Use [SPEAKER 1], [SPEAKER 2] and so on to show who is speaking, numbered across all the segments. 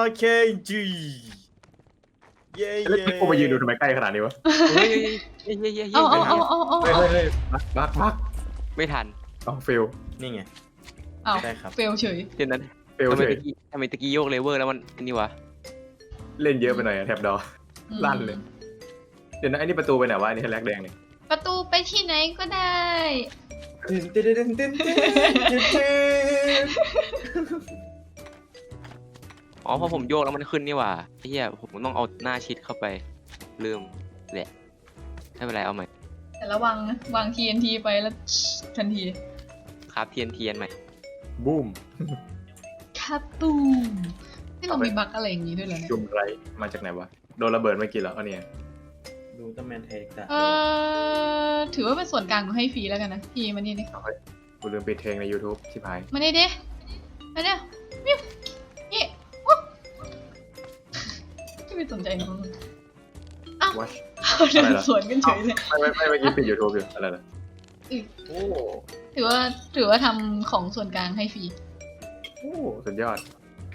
[SPEAKER 1] โอเคจีเย้
[SPEAKER 2] แล้ว
[SPEAKER 1] เย้
[SPEAKER 2] กูมายืนดูทำไมใกล้ขนาดนี้วะ
[SPEAKER 3] เฮ้ย
[SPEAKER 4] เอา
[SPEAKER 3] ไม่ทัน
[SPEAKER 2] เฮ้ยบัก
[SPEAKER 3] ไม่ทัน
[SPEAKER 2] ต้องฟิล
[SPEAKER 1] นี่ไง
[SPEAKER 4] เอา
[SPEAKER 1] ใช่ครับ
[SPEAKER 4] เฟลเฉย
[SPEAKER 3] เดี๋ยวนั้น
[SPEAKER 2] ฟิล
[SPEAKER 3] ทำไม
[SPEAKER 2] เฉย
[SPEAKER 3] ตะกี้โยกเลเวอร์แล้วมันนี่วะ
[SPEAKER 2] เล่นเยอะไปหน่อยอะแถบดอ ลั่นเลย เดี๋ยวนะไอ้นี่ประตูไปไหนวะไอ้นี่แลกแดงเนี่ย
[SPEAKER 4] ประตูไปที่ไหนก็ได้
[SPEAKER 1] ตื่นตื่นตื่นตื่นตื่น
[SPEAKER 3] อ๋อพอผมโยกแล้วมันขึ้นนี่หว่าไอ้เหี้ยผมต้องเอาหน้าชิดเข้าไปลืมแหละไม่เป็นไรเอาใหม่
[SPEAKER 4] แต่ระวังนะวาง TNT ไปแล้วทันที
[SPEAKER 3] ครับเทียนใหม่
[SPEAKER 2] บูม
[SPEAKER 4] ครับตูมนี่เรามีบั๊กอะไรอย่างนี้ด้วยเหรอเนี่ย
[SPEAKER 2] จุ่มไรมาจากไหนวะโดนระเบิดเมื่อกี้เหรอเอาเนี่ย
[SPEAKER 1] ดูต้นแมนเทคจ้ะ
[SPEAKER 4] ถือว่าเป็นส่วนกลางของให้ฟรีแล้วกันนะพี่มานี่ดิ
[SPEAKER 2] กูลืมปิดเพลงใน YouTube ชิบหาย
[SPEAKER 4] มานี่ดิมาเนี่ยวิวนี่วุ๊บไม่สนใจน้องอ้าว
[SPEAKER 2] วัช
[SPEAKER 4] เขาเดินสวนกันเฉยเลย
[SPEAKER 2] ไม่เมื่อกี้ปิด YouTube อยู่อะไรล่ะ
[SPEAKER 1] โอ้
[SPEAKER 4] ถือว่าทำของส่วนกลางให้ฟรี
[SPEAKER 2] โอ้สุดยอด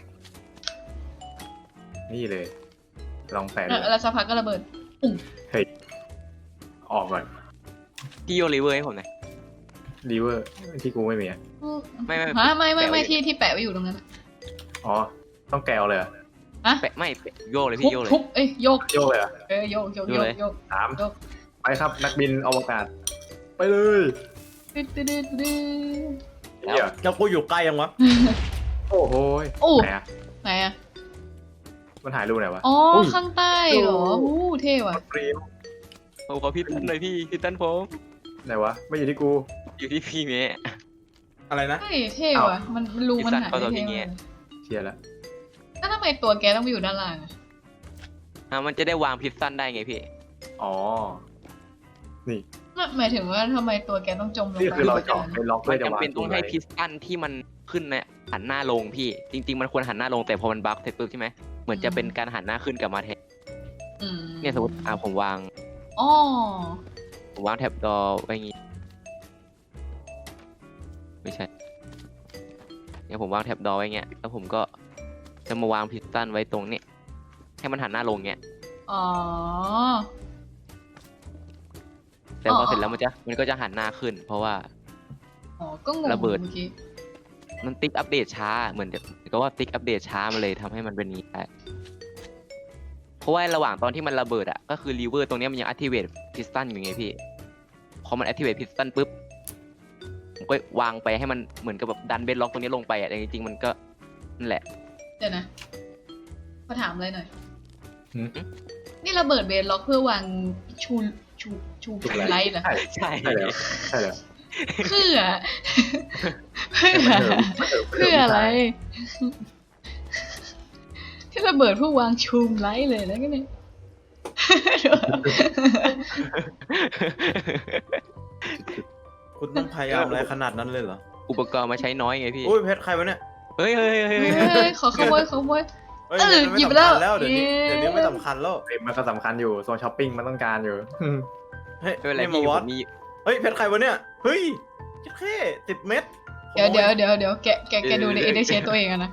[SPEAKER 2] นี่เลย ลองแปะเลย
[SPEAKER 4] แล้วสักพักก็ระเบิด
[SPEAKER 2] เฮ้ยออกก่อน
[SPEAKER 3] พี่โยกเลเวอร์ให้ผมหน่อย
[SPEAKER 2] รีเวอร์ที่กูไม่มีอะ
[SPEAKER 3] ไม่
[SPEAKER 4] ฮะไม่ที่แปะไว้อยู่ตรงนั้น
[SPEAKER 2] อ๋อต้องแกวเลยเหรอ
[SPEAKER 4] อะ
[SPEAKER 3] แปะไม่แปะโยกเลยพี่โยกเลย
[SPEAKER 4] ทุบเอ้ยโยก
[SPEAKER 2] โยกเลยเหรอ
[SPEAKER 4] โยก
[SPEAKER 3] โยกเลย
[SPEAKER 4] โยก
[SPEAKER 2] สาม
[SPEAKER 4] โยก
[SPEAKER 2] ไปครับนักบินอวกาศ ไปเลย
[SPEAKER 4] ตึ๊ดตึ๊ดตึ๊ดตึ๊ด
[SPEAKER 2] เฮีย
[SPEAKER 1] แล้วกูอยู่ใกล้ยังวะ
[SPEAKER 2] โอ้โหย
[SPEAKER 4] โอ้
[SPEAKER 2] ไหนอะ
[SPEAKER 4] ไหนอะ
[SPEAKER 2] มันถ่ายรูปไหนวะ
[SPEAKER 4] อ๋อ
[SPEAKER 2] อุ้ย
[SPEAKER 4] ข้างใต้เหรอ
[SPEAKER 2] โอ้
[SPEAKER 4] เท่ว่ะ
[SPEAKER 2] ฟรีม
[SPEAKER 3] ผมขอพี่ตั้นหน่อยพี่ตั้นผม
[SPEAKER 2] ไหนวะไม่อยู่ที่กู
[SPEAKER 3] อยู่ที่พี่เมย์
[SPEAKER 1] อะไรนะ
[SPEAKER 4] เฮ้ยเท่ว่ะมันรูมันหาย
[SPEAKER 3] พี่สันเข้าตัว
[SPEAKER 4] ไป
[SPEAKER 3] พี่
[SPEAKER 4] เท่
[SPEAKER 3] เงี้
[SPEAKER 4] มาก
[SPEAKER 3] ย
[SPEAKER 2] เชียร์ละ
[SPEAKER 4] แล้วทำไมตัวแกต้องไปอยู่ด้านล่างอะ
[SPEAKER 3] มันจะได้วางพิซซันได้ไงพี่
[SPEAKER 2] อ๋อ
[SPEAKER 4] หมายถึงว่าทำไมตัวแกต้องจมลง
[SPEAKER 2] นี่
[SPEAKER 4] ไป
[SPEAKER 2] คือเราเจาะไปล็อก
[SPEAKER 3] มั
[SPEAKER 2] เพื่อน จะวาง
[SPEAKER 3] จำเป็นต้องให้
[SPEAKER 2] ไว้
[SPEAKER 3] พิซซันที่มันขึ้นเนี่ยหันหน้าลงพี่ จริง ๆ มันควรหันหน้าลงแต่พอมันบั๊กเสร็จปุ๊บใช่ไหมเหมือนจะเป็นการหันหน้าขึ้นกลับมาแทน
[SPEAKER 4] อืม
[SPEAKER 3] เนี่ยสมมติผมวาง
[SPEAKER 4] อ๋อ
[SPEAKER 3] แท็บดอไว้อย่างงี้ไม่ใช่เนี่ยผมวางแท็บดอไว้เงี้ยแล้วผมก็จะมาวางพิซซันไว้ตรงนี้ให้มันหันหน้าลงเงี้ย
[SPEAKER 4] อ๋อ
[SPEAKER 3] แต่พอเสร็จแล้วมันก็จะหันหน้าขึ้น เพราะว่า
[SPEAKER 4] อ๋อ ก็งง
[SPEAKER 3] ระเบิด
[SPEAKER 4] เมื่อกี้
[SPEAKER 3] มันติ๊กอัปเดตช้าเหมือนก็ว่าติ๊กอัปเดตช้ามันเลยทำให้มันเป็นนี้ได้เพราะว่าระหว่างตอนที่มันระเบิดอ่ะก็คือรีเวอร์ตรงเนี้ยมันยัง activate piston อยู่ไงพี่พอมัน activate piston ปุ๊บผมก็วางไปให้มันเหมือนกับแบบดันเบนล็อกตรงนี้ลงไปอ่ะแต่จริงๆมันก็นั่นแหละ
[SPEAKER 4] เดี๋ยวนะขอถามอะไรหน่อย
[SPEAKER 2] หืม
[SPEAKER 4] นี่ระเบิดเบนล็อกเพื่อวางชูไลท์เหรอ
[SPEAKER 2] ใช่
[SPEAKER 3] ใช่
[SPEAKER 2] ใช่แล้วใช่แล้ว
[SPEAKER 4] เพื่อ เพื่ออะไร ที่ระเบิดเพื่อวางชูมไลท์เลยแล้วก็เนี่ย
[SPEAKER 1] คุณต้องพยายามอะไรขนาดนั้นเลยเหรอ
[SPEAKER 3] อุปกรณ์มาใช้น้อยไงพี่
[SPEAKER 1] อุ้ยเพชรใครวะเนี่ย
[SPEAKER 3] เฮ้ย
[SPEAKER 4] เฮ้ยขอขโมย
[SPEAKER 1] เฮ้ย
[SPEAKER 4] เออ
[SPEAKER 1] มัน
[SPEAKER 4] หยิบ
[SPEAKER 1] ไม่
[SPEAKER 4] แล้ว
[SPEAKER 1] สำคัญแล้วเดี๋ยวนี้
[SPEAKER 4] เย้
[SPEAKER 1] เดี๋ยวนี้ไม่สำคัญแล้ว
[SPEAKER 2] เฮ้ยมันก็สำคัญอยู่โซนช้อปปิ้งมันต้องการอยู่
[SPEAKER 1] เฮ้ย
[SPEAKER 3] ไม่เป็นไร
[SPEAKER 1] นี่มา
[SPEAKER 3] พี่
[SPEAKER 1] ว
[SPEAKER 3] ผ
[SPEAKER 1] อต
[SPEAKER 3] มมี
[SPEAKER 1] เฮ้ยเพชรใครวะเนี่ยเฮ้ยแค่10 เม็ด
[SPEAKER 4] เดี๋ยวแกดูในเอเดเชตัวเองอะนะ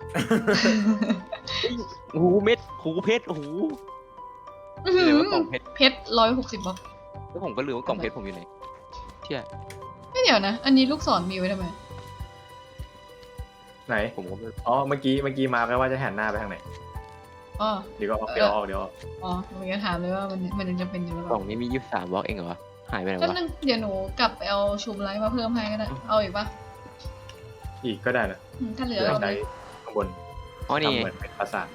[SPEAKER 3] หูเม็ดหูเพชรหู
[SPEAKER 4] อื้อหื
[SPEAKER 3] เรียก
[SPEAKER 4] อ
[SPEAKER 3] ว่ากล่องเพชร
[SPEAKER 4] เพชร160 บาท
[SPEAKER 3] แล้วผมก็ลืมว่ากล่องเพชรผมอยู่ไหนเชื่อ
[SPEAKER 4] ไม่เดี๋ยวนะ อันนี้ลูกศรมีไว้ทำไม
[SPEAKER 2] ไหน
[SPEAKER 3] ผมก็ไม่
[SPEAKER 2] อ๋อเมื่อกี้มาร์คไว้ว่าจะหันหน้าไปทางไหน
[SPEAKER 4] อ๋อ
[SPEAKER 2] เดี๋ยวก็ออกเดี๋ยวออก
[SPEAKER 4] อ๋อหนูจะถามเลยว่ามันยังจำเป็นอยู่หรือเป
[SPEAKER 3] กล่อ
[SPEAKER 4] ล่าง
[SPEAKER 3] นี้มี23บล็อกเองเหรอวะหายไปไหน
[SPEAKER 4] แป๊บ
[SPEAKER 3] วะ
[SPEAKER 4] นึงเดี๋ยวหนูกลับไปเอาชูมไลท์มาเพิ่มให้ก็ได้ เอาอีกปะ
[SPEAKER 2] อีกก็ได้นะ
[SPEAKER 4] ถ้าเหลือ
[SPEAKER 2] เดี๋ยว
[SPEAKER 4] เอาไป
[SPEAKER 2] ใช้ข้างบน
[SPEAKER 3] อ๋อนี่
[SPEAKER 2] ทำ
[SPEAKER 3] ไง
[SPEAKER 2] เหมือนเป็นปราสาท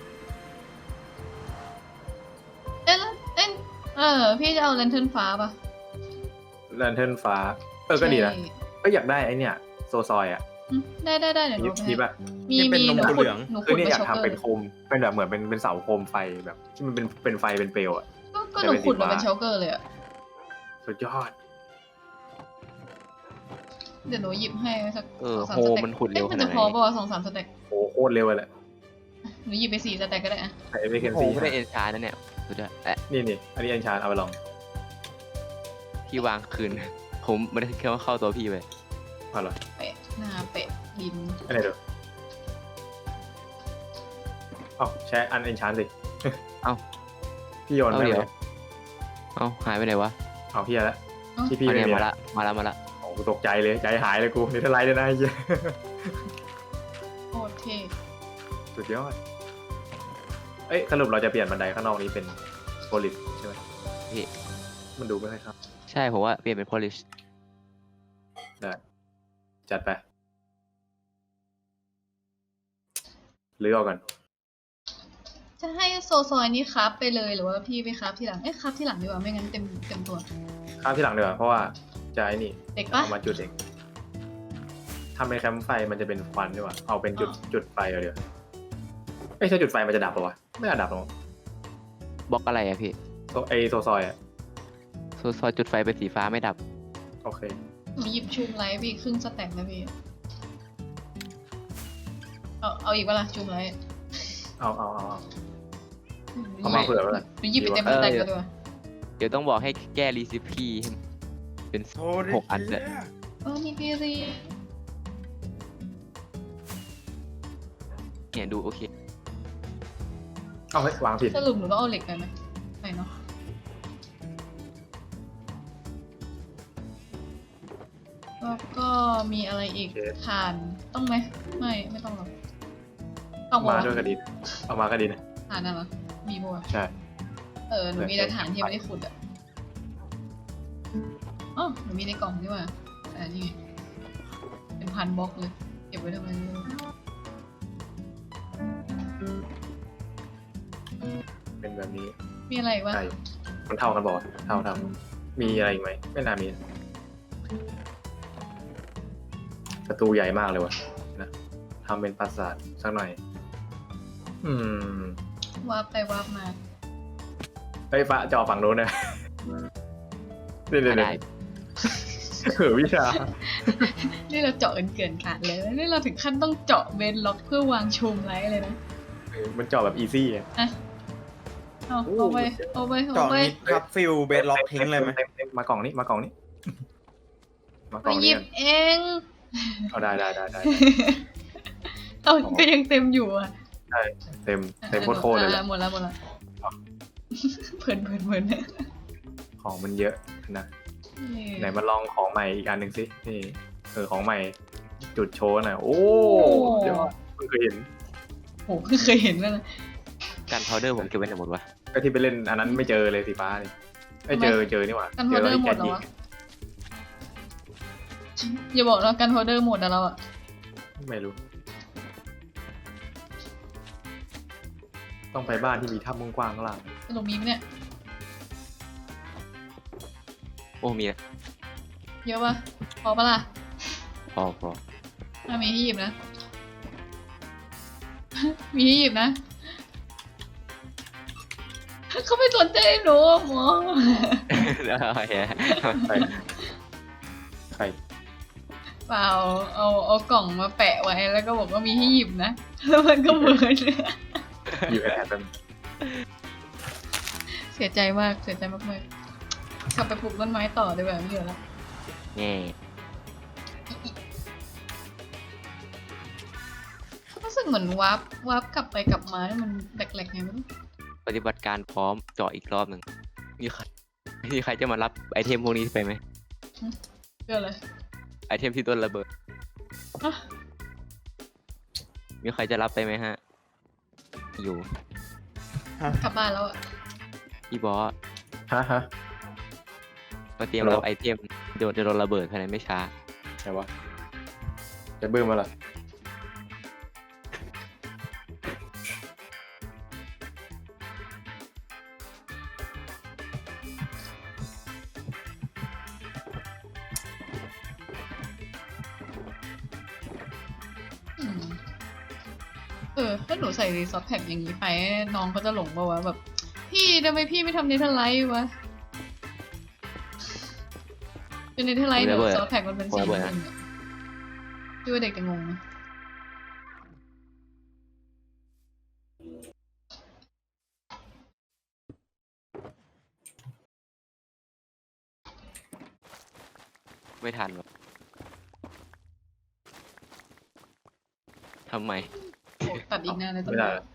[SPEAKER 4] เอ๊ะพี่จะเอาแลนเทิร์นฟ้าปะ
[SPEAKER 2] แลนเทิร์นฟ้าก็ดีนะ
[SPEAKER 4] ใช่
[SPEAKER 2] ก็อยากได้ไอเนี่ยโซซอยอ่ะ
[SPEAKER 4] ได้เดี๋ยวหนูเอาไป
[SPEAKER 2] มี
[SPEAKER 4] ให้
[SPEAKER 2] ป่ะ
[SPEAKER 4] มี
[SPEAKER 1] นี่เป็นนม
[SPEAKER 4] หนู
[SPEAKER 1] ถั่ว
[SPEAKER 4] ขุ
[SPEAKER 1] เห
[SPEAKER 4] ด
[SPEAKER 1] ลือง
[SPEAKER 4] หนู
[SPEAKER 2] คื
[SPEAKER 4] ขุ
[SPEAKER 2] อ
[SPEAKER 4] ด
[SPEAKER 2] เนี่ย
[SPEAKER 4] ไป
[SPEAKER 2] อยาก
[SPEAKER 4] ช็อกเกอ
[SPEAKER 2] ทำเป็น
[SPEAKER 4] ร์
[SPEAKER 2] โคมเป็นแบบเหมือนเป็นเสาโคมไฟแบบที่มันเป็นไฟเป็นเปลวอ่ะ
[SPEAKER 4] ก็หนูขุดมาเป็นช็อกเกอร์เลยอะ
[SPEAKER 2] สุดยอด
[SPEAKER 4] เดี๋ยวหนูหยิบให้สัก
[SPEAKER 3] โฮ
[SPEAKER 4] 2-3 สเต็ก
[SPEAKER 3] มันขุดเร็วข
[SPEAKER 4] มัน
[SPEAKER 3] นา
[SPEAKER 4] จะ
[SPEAKER 3] ดไห
[SPEAKER 4] พอน ป่าว2-3 สเต็ก
[SPEAKER 2] โอ้โคตรเร็วเลยแหละ
[SPEAKER 4] หนูหยิบไป4 สเต็กก็ได้อะ
[SPEAKER 2] ใช้เอฟเฟก
[SPEAKER 3] โฮ
[SPEAKER 2] ซี
[SPEAKER 3] ไม่ได้เอ็นชาร์นั่นเนี่ยสุดยอด
[SPEAKER 2] นี่อันนี้อันชานเอาไปลอง
[SPEAKER 3] พี่วางคืน ผมไม่ได้แค่ว่าเข้าตัวพี่ไป
[SPEAKER 2] เอาเหรอ
[SPEAKER 4] เปะหน้าเปะดิน
[SPEAKER 2] อันไหนเดี๋ยวเอ้าใช้อันเอนชานสิ
[SPEAKER 3] เอ้า
[SPEAKER 2] พี่โยน
[SPEAKER 3] เอา
[SPEAKER 2] ไป
[SPEAKER 3] เดี๋
[SPEAKER 2] เล
[SPEAKER 3] ยว
[SPEAKER 2] ย
[SPEAKER 3] เอ้าหายไปไหนวะ
[SPEAKER 2] เอาพี่ละที่พี่
[SPEAKER 3] อัน
[SPEAKER 2] ไม่
[SPEAKER 3] เนี้ย
[SPEAKER 2] มี
[SPEAKER 3] มา
[SPEAKER 2] ละ
[SPEAKER 3] ละมาละ
[SPEAKER 2] โอ้กูตกใจเลยใจหายเลยกูนี่ทลายเลยนะไอ้เหี้ย
[SPEAKER 4] โคตรเท่
[SPEAKER 2] สุดยอดเอ้ยสรุปเราจะเปลี่ยนบันไดข้างนอกนี้เป็นโพลิสใช่ไหม
[SPEAKER 3] พี่
[SPEAKER 2] มันดูไม่ค่อยครับ
[SPEAKER 3] ใช่ผมว่าเปลี่ยนเป็น polish
[SPEAKER 2] ได้จัดไปหรือเอากัน
[SPEAKER 4] จะให้โซซอยนี้ครับไปเลยหรือว่าพี่ไปครับทีหลังครับทีหลังดีกว่าไม่งั้นเต็มตัว
[SPEAKER 2] ข้ามที่หลังดีกว่าเพราะว่าจะไอ้นี่
[SPEAKER 4] เด็กปะ
[SPEAKER 2] เอามาจุดเองทำเป็นแคมป์ไฟมันจะเป็นควันดีกว่าเอาเป็นจุดไฟเอาเดี๋ยวเอ้ยถ้าจุดไฟมันจะดับปะวะไม่น่าดับหรอก
[SPEAKER 3] บล็อกอะไรอะพี่
[SPEAKER 2] ไอโซซอยอ่ะ
[SPEAKER 3] ซอยจุดไฟเป็นสีฟ้าไม่ดับ
[SPEAKER 2] โอเค
[SPEAKER 4] หนูหยิบชูมไลท์พี่ครึ่งสแต็กนะพี่เอาอีกเวลาชูมไลท์
[SPEAKER 2] เอามาเผื่อไว้ก่อน
[SPEAKER 4] หนูหยิบไปเต็มสแต็กเลยดีกว่า
[SPEAKER 3] เดี๋ยวต้องบอกให้แก้รีซิปีให้เป็น6 อันเลย
[SPEAKER 4] มีพีรี
[SPEAKER 3] เนี่ยดูโอเค
[SPEAKER 2] เอาไว้วางผิด
[SPEAKER 4] สรุปหนูต้องเอาเหล็กไปไหมไปเนาะแล้วก็มีอะไรอีกถ่านต้องไหมไม่ต้องหรอกต้อง
[SPEAKER 2] มา
[SPEAKER 4] วะ
[SPEAKER 2] ด้วยกระดินเอามากระดิน
[SPEAKER 4] ถ่านน่ะเหรอมีบัว
[SPEAKER 2] ใช่
[SPEAKER 4] หนูมีแต่ถ่านที่ยังไม่ได้ขุดอ่ะอ๋อหนูมีในกล่องนี่หว่าแต่นี่ไงเป็นพันบล็อกเลยเก็บไว้ทำไมไม่รู้
[SPEAKER 2] เป็นแบบนี้
[SPEAKER 4] มีอะไรอีกวะ
[SPEAKER 2] ใช่มันเท่ากันบอกเท่ามีอะไรอีกไหมไม่น่ามีประตูใหญ่มากเลยวะนะทำเป็นปราสาทสักหน่อย
[SPEAKER 4] วาร์ปไปวาร์ปมา
[SPEAKER 2] เฮ้ยฟ้าจอฝั่งโน้นนะเดี๋ยว
[SPEAKER 3] ไม่ได้
[SPEAKER 2] วิชา
[SPEAKER 4] นี่เราเจาะเกินขาดเลยนี่เราถึงขั้นต้องเจาะเบนล็อกเพื่อวางชมไลท์เลยนะ
[SPEAKER 2] มันจอแบบอีซี่อ่ะ
[SPEAKER 4] เอาไป
[SPEAKER 1] เจาะนิดครับฟิลเบสล็อกทิ้งเลยไหม
[SPEAKER 2] เต็มมากล่องนี้มากล่องนี้ มา
[SPEAKER 4] ไป
[SPEAKER 2] กล่อง
[SPEAKER 4] หยิ
[SPEAKER 2] นี้
[SPEAKER 4] บ
[SPEAKER 2] กัน
[SPEAKER 4] เอง
[SPEAKER 2] เอาได้
[SPEAKER 4] เอาก็ยังเต็มอยู่อ่ะ
[SPEAKER 2] เต็มโคตรเลยแหละ
[SPEAKER 4] หมดแล้วเพลิน
[SPEAKER 2] ของมันเยอะนะไหนมาลองของใหม่อีกอันหนึ่งสินี่ของใหม่จุดโชว์หน่อยโอ้ยอดเพิ่งเคยเห็น
[SPEAKER 4] โหเคยเห็นแล้วนะ
[SPEAKER 3] การพาวเดอร์ผมเก็บไว้ไหนหมดวะ
[SPEAKER 2] ก็ที่ไปเล่นอันนั้นไม่เจอเลยสีฟ้าเลยไม่เจอนี่หว่า
[SPEAKER 4] กันโฮเดอร์หมดแล้ววะอย่าบอกนะกันโฮเดอร์หมดแล้วอ่ะ
[SPEAKER 2] ไม่รู้ ต้องไปบ้านที่มีถ้ำกว้างๆข้างล่าง
[SPEAKER 4] สรุปมีไหมเนี่ย
[SPEAKER 3] โอ้มีนะ
[SPEAKER 4] เยอะปะพอปะล่ะ
[SPEAKER 3] พอ
[SPEAKER 4] มีให้หยิบนะ มีให้หยิบนะ เขาไม่สนใจหนูหมอ
[SPEAKER 2] ใคร
[SPEAKER 4] เปล่าเอากล่องมาแปะไว้แล้วก็บอกว่ามีให้หยิบนะ แล้วมันก็เบิร์น
[SPEAKER 2] อยู่แอบเป็น
[SPEAKER 4] เสียใจมากกลับไปปลูกต้นไม้ต่อดีกว่าไม่เหลือแล้ว
[SPEAKER 3] แง่
[SPEAKER 4] รู้สึกเหมือนวาร์ปกลับไปกลับมาแล้วมันแหลกๆไงไม่รู้
[SPEAKER 3] ปฏิบัติการพร้อมเจาะอีกรอบหนึ่งมีใครจะมารับไอเทมพวกนี้ไปไหม
[SPEAKER 4] เกิดอะไร
[SPEAKER 3] ไอเทมที่โดนระเบิด
[SPEAKER 4] ฮะ
[SPEAKER 3] มีใครจะรับไปไหมฮะ อยู่
[SPEAKER 4] กลับบ้านแล้วอะ
[SPEAKER 3] พี่บอส
[SPEAKER 2] ฮะ
[SPEAKER 3] มาเตรียมรับไอเทมจะโดนระเบิดภายในไม่ช้า
[SPEAKER 2] ใช่วะจะบื้มมาล่ะ
[SPEAKER 4] ถ้าหนูใส่รีซอสแพ็กอย่างนี้ไปน้องเขาจะหลงป่าวะแบบ พี่ทำไมพี่ไม่ทำเนเธอร์ไลท์วะเป็นเนเธอร์ไลท์เดี๋ยวซอสแพ็กมันเป็นสีเงินคิดว่าเด็กจะงงไหม
[SPEAKER 3] ไม่ทันหรอกทำไม
[SPEAKER 4] โอ้ตัดอีกนานเลยต้น
[SPEAKER 2] ไม่ได้
[SPEAKER 4] ไม้
[SPEAKER 2] ละ